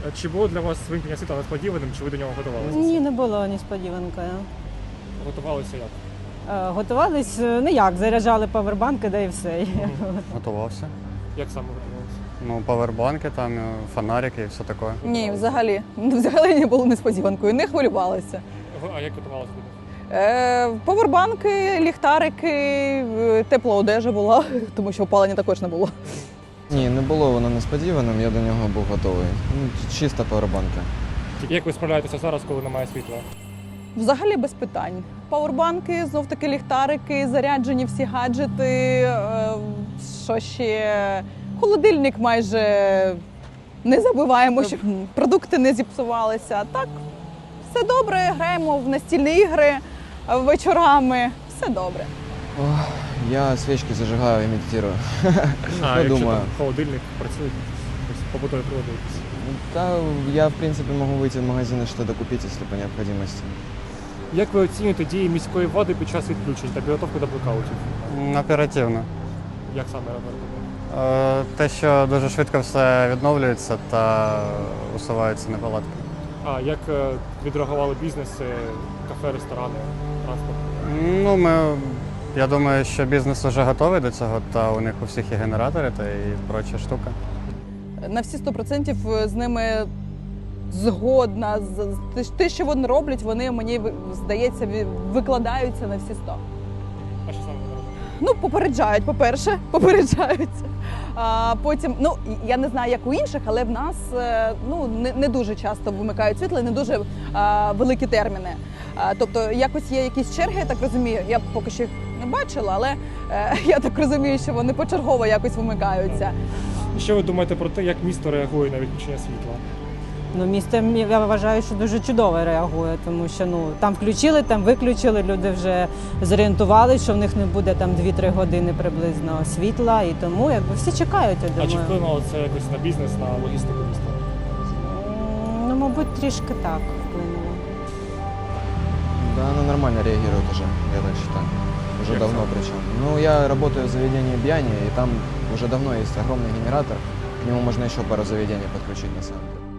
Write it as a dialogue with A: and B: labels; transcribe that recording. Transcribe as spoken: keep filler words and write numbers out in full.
A: Чи було для вас вимкнення світла несподіваним, чи ви до нього готувалися?
B: Ні, не було несподіванкою.
A: Готувалися як?
B: Е, Готувались, е, ну як, заряджали павербанки, да і все.
C: Готувався.
A: Як саме готувалися?
C: Ну, павербанки, там, е, фонарики і все таке.
D: Ні, взагалі. Взагалі не було несподіванкою, не хвилювалася.
A: Ви- А як готувалися до них?
D: Е, Повербанки, ліхтарики, е, тепла одежа була, тому що опалення також не було.
E: Ні, не було воно несподіваним, я до нього був готовий. Ну, чиста павербанка.
A: Як ви справляєтеся зараз, коли немає світла?
D: Взагалі без питань. Пауербанки, знов таки ліхтарики, заряджені всі гаджети, е, що ще холодильник майже не забуваємо, щоб продукти не зіпсувалися. Так, все добре, граємо в настільні ігри вечорами, все добре.
E: Ох, я свічки зажигаю і медитирую.
A: А
E: Ну,
A: якщо
E: думаю.
A: там холодильник працює, ось побутові прилади якісь?
E: Да, я, в принципе, могу выйти в магазин и что-то купить, если по необходимости.
A: Як ви оцінюєте дії міської влади під час відключень та підготовку до блекаутів?
C: М, Оперативно.
A: Як саме робити?
C: Е, Те, що дуже швидко все відновлюється та усуваються неполадки.
A: А як е, відреагували бізнеси, кафе, ресторани, транспорт?
C: Ну, ми, я думаю, що бізнес вже готовий до цього, та у них у всіх є генератори та і проча штука.
D: На всі сто процентів з ними згодна. З- з- Те, що вони роблять, вони, мені ви- здається, ві- викладаються на всі сто.
A: А що саме ви робите?
D: Ну, попереджають, по-перше, попереджаються. А потім, ну, я не знаю, як у інших, але в нас е, ну, не, не дуже часто вимикають світло, і не дуже а, великі терміни. А, тобто, якось є якісь черги, я так розумію. Я поки що їх не бачила, але е, я так розумію, що вони почергово якось вимикаються.
A: І що ви думаєте про те, як місто реагує на відключення світла?
B: Ну, місто, я вважаю, що дуже чудово реагує, тому що ну, там включили, там виключили, люди вже зорієнтувалися, що в них не буде там дві-три години приблизно світла, і тому якби всі чекають, я
A: А чи
B: думаю.
A: вплинуло це якось на бізнес, на логістику міста?
B: М, Ну, мабуть, трішки так вплинуло.
E: Да, она нормально реагирует уже, я так считаю. Уже
A: Как
E: давно
A: сам?
E: причем. Ну, я работаю в заведении Бьяни, и там уже давно есть огромный генератор. К нему можно еще пару заведений подключить, на самом деле.